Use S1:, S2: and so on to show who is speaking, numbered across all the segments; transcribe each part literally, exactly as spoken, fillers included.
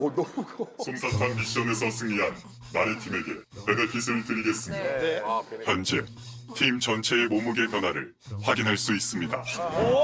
S1: 오, 너무 커.
S2: 솜사탕 미션에서 승리한 나래 팀에게 베네핏을 드리겠습니다.
S1: 네. 아,
S2: 현재 팀 전체의 몸무게 변화를 확인할 수 있습니다.
S1: 아,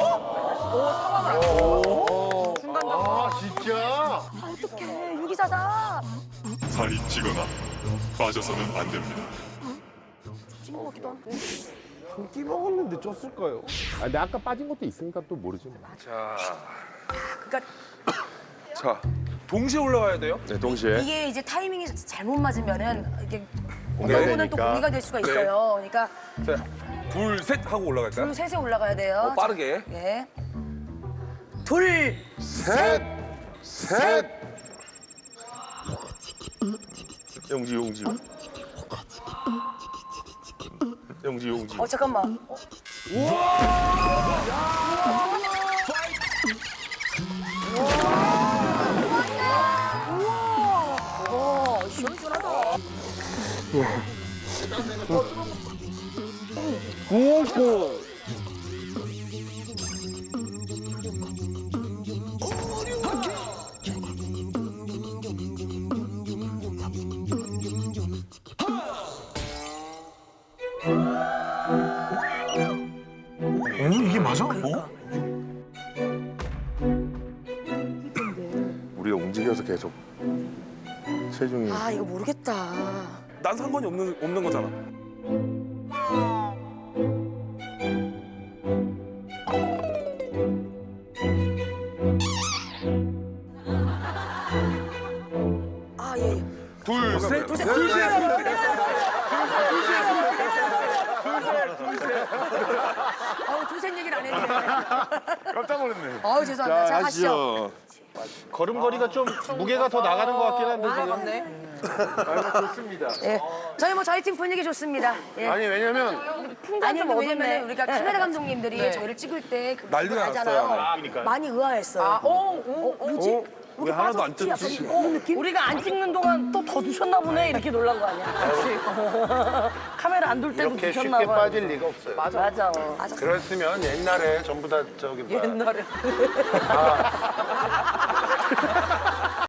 S1: 진짜?
S3: 어떡해, 유기사다.
S2: 살이 찌거나 빠져서는 안 됩니다.
S3: 찐것 같기도 하고.
S1: 한 끼 먹었는데 쪘을까요?
S4: 아, 근데 아까 빠진 것도 있으니까 또 모르지 뭐.
S5: 자,
S3: 그러니까
S5: 자, 동시에 올라가야 돼요?
S4: 네, 동시에.
S3: 이게 이제 타이밍이 잘못 맞으면은 이게
S4: 공개가
S3: 요거는 또
S4: 되니까.
S3: 공개가 될 수가 있어요. 그러니까
S5: 자, 둘, 셋 하고 올라갈까요?
S3: 둘 셋에 올라가야 돼요.
S5: 어, 빠르게.
S3: 자, 예. 둘,
S4: 셋! 셋! 용지, 용지. 용지, 용지.
S3: 어 잠깐만. 어. 우와. 우와. 우와. 시원시원하다.
S4: 구웠고.
S1: 이게 맞아? 뭐?
S4: 우리가 움직여서 계속 체중이.
S3: 아 이거 모르겠다.
S5: 난 상관이 없는 없는 거잖아.
S3: 아 예. 예.
S5: 둘, 셋,
S3: 둘, 셋, 둘, 셋. 아우 둘셋 얘기를 안 했네.
S4: 깜짝 놀랐네.
S3: 아우 죄송합니다. 자, 가시죠.
S4: 하시죠.
S1: 걸음걸이가 좀 무게가 더 나가는 것 같긴 한데 지금.
S3: 맞네.
S1: 좋습니다.
S3: 예. 저희 뭐 저희 팀 분위기 좋습니다. 예.
S1: 아니 왜냐면
S3: 아니 근데 왜냐면 우리가 카메라 감독님들이 저희를 찍을 때그
S5: 난리
S3: 알잖아요.
S5: 났어요.
S3: 많이 의아했어요. 아, 어, 어, 뭐지?
S1: 어? 왜 하나도 안 쪘지?
S3: 이런 느낌?
S6: 우리가 안 찍는 동안 또 더 드셨나 보네 이렇게 놀란 거 아니야? 카메라 안 돌 때도
S1: 이렇게
S6: 드셨나
S1: 쉽게
S6: 봐.
S1: 빠질 리가 없어요.
S6: 맞아.
S3: 맞아.
S1: 그랬으면 옛날에 전부 다 저기 뭐야.
S6: 옛날에.